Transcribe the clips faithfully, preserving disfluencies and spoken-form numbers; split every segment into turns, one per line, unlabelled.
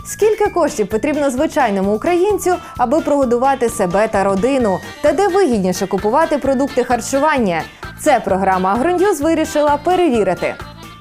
Скільки коштів потрібно звичайному українцю, аби прогодувати себе та родину? Та де вигідніше купувати продукти харчування? Це програма «Агроньюз» вирішила перевірити.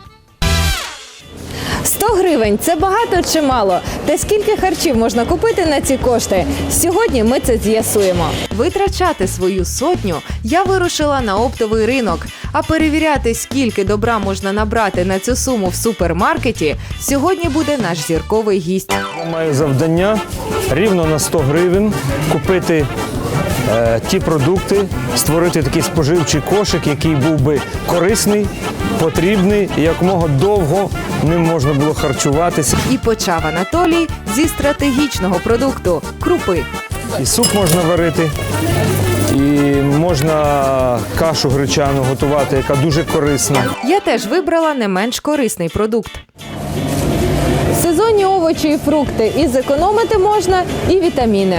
сто гривень – це багато чи мало? Та скільки харчів можна купити на ці кошти? Сьогодні ми це з'ясуємо. Витрачати свою сотню я вирушила на оптовий ринок. А перевіряти, скільки добра можна набрати на цю суму в супермаркеті, сьогодні буде наш зірковий гість.
Я маю завдання рівно на сто гривень купити е, ті продукти, створити такий споживчий кошик, який був би корисний, потрібний і якомога довго ним можна було харчуватися.
І почав Анатолій зі стратегічного продукту – крупи.
І суп можна варити, і можна кашу гречану готувати, яка дуже корисна.
Я теж вибрала не менш корисний продукт. Сезонні овочі і фрукти. І зекономити можна, і вітаміни.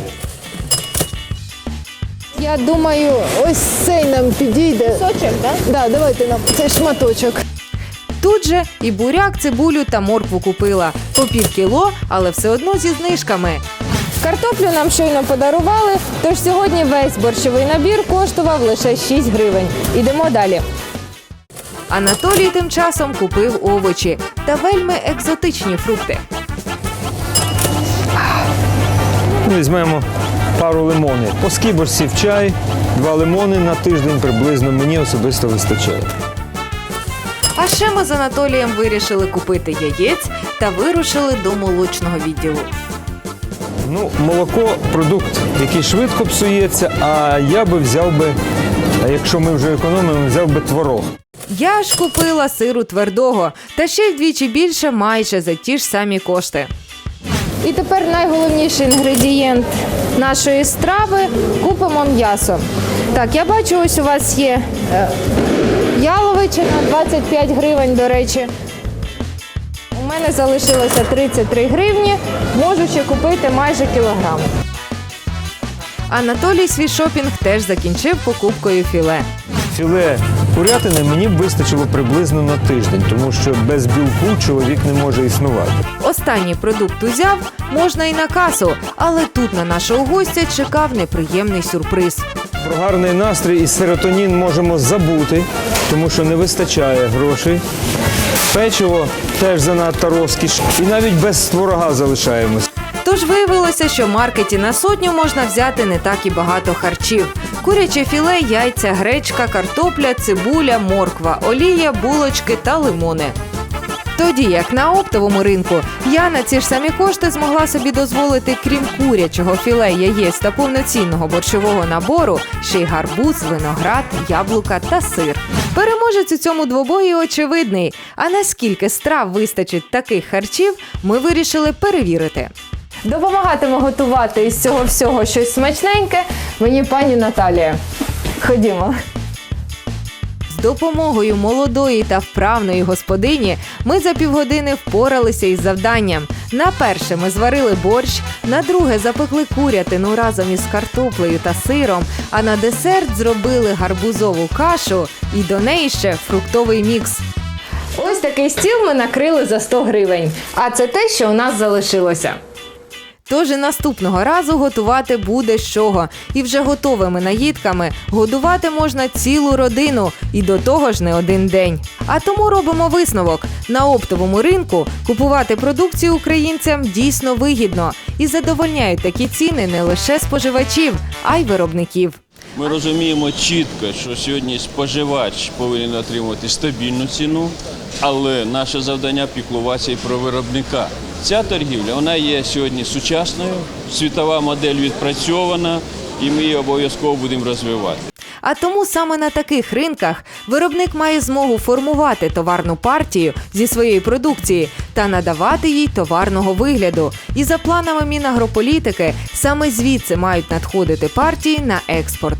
Я думаю, ось цей нам підійде. Сочок, так? Да, давайте нам цей шматочок. Тут же і буряк, цибулю та моркву купила. По пів кіло, але все одно зі знижками. Картоплю нам щойно подарували, тож сьогодні весь борщовий набір коштував лише шість гривень. Ідемо далі. Анатолій тим часом купив овочі та вельми екзотичні фрукти.
Візьмемо пару лимонів. По скибочці в чай, два лимони на тиждень приблизно мені особисто вистачає.
А ще ми з Анатолієм вирішили купити яєць та вирушили до молочного відділу.
Ну, молоко – продукт, який швидко псується, а я би взяв би, якщо ми вже економимо, взяв би творог.
Я ж купила сиру твердого, та ще й вдвічі більше майже за ті ж самі кошти. І тепер найголовніший інгредієнт нашої страви – купимо м'ясо. Так, я бачу, ось у вас є е, яловичина, двадцять п'ять гривень, до речі. У мене залишилося тридцять три гривні, можу ще купити майже кілограм. Анатолій свій шопінг теж закінчив покупкою філе.
Філе курятини мені б вистачило приблизно на тиждень, тому що без білку чоловік не може існувати.
Останній продукт узяв, можна і на касу, але тут на нашого гостя чекав неприємний сюрприз.
Про гарний настрій і серотонін можемо забути, тому що не вистачає грошей. Печиво теж занадто розкіш. І навіть без творога залишаємось.
Тож виявилося, що в маркеті на сотню можна взяти не так і багато харчів. Куряче філе, яйця, гречка, картопля, цибуля, морква, олія, булочки та лимони. Тоді як на оптовому ринку, я на ці ж самі кошти змогла собі дозволити, крім курячого філе, яєць та повноцінного борщового набору, ще й гарбуз, виноград, яблука та сир. Переможець у цьому двобої очевидний. А наскільки страв вистачить таких харчів, ми вирішили перевірити. Допомагатиме готувати із цього всього щось смачненьке мені пані Наталія. Ходімо. З допомогою молодої та вправної господині ми за півгодини впоралися із завданням. На перше ми зварили борщ, на друге запекли курятину разом із картоплею та сиром, а на десерт зробили гарбузову кашу і до неї ще фруктовий мікс. Ось такий стіл ми накрили за сто гривень, а це те, що у нас залишилося. Тож і наступного разу готувати буде з чого. І вже готовими наїдками годувати можна цілу родину. І до того ж не один день. А тому робимо висновок. На оптовому ринку купувати продукцію українцям дійсно вигідно. І задовольняють такі ціни не лише споживачів, а й виробників.
Ми розуміємо чітко, що сьогодні споживач повинен отримувати стабільну ціну, але наше завдання – піклуватися і про виробника. Ця торгівля, вона є сьогодні сучасною, світова модель відпрацьована, і ми її обов'язково будемо розвивати.
А тому саме на таких ринках виробник має змогу формувати товарну партію зі своєї продукції та надавати їй товарного вигляду. І за планами Мінагрополітики саме звідси мають надходити партії на експорт.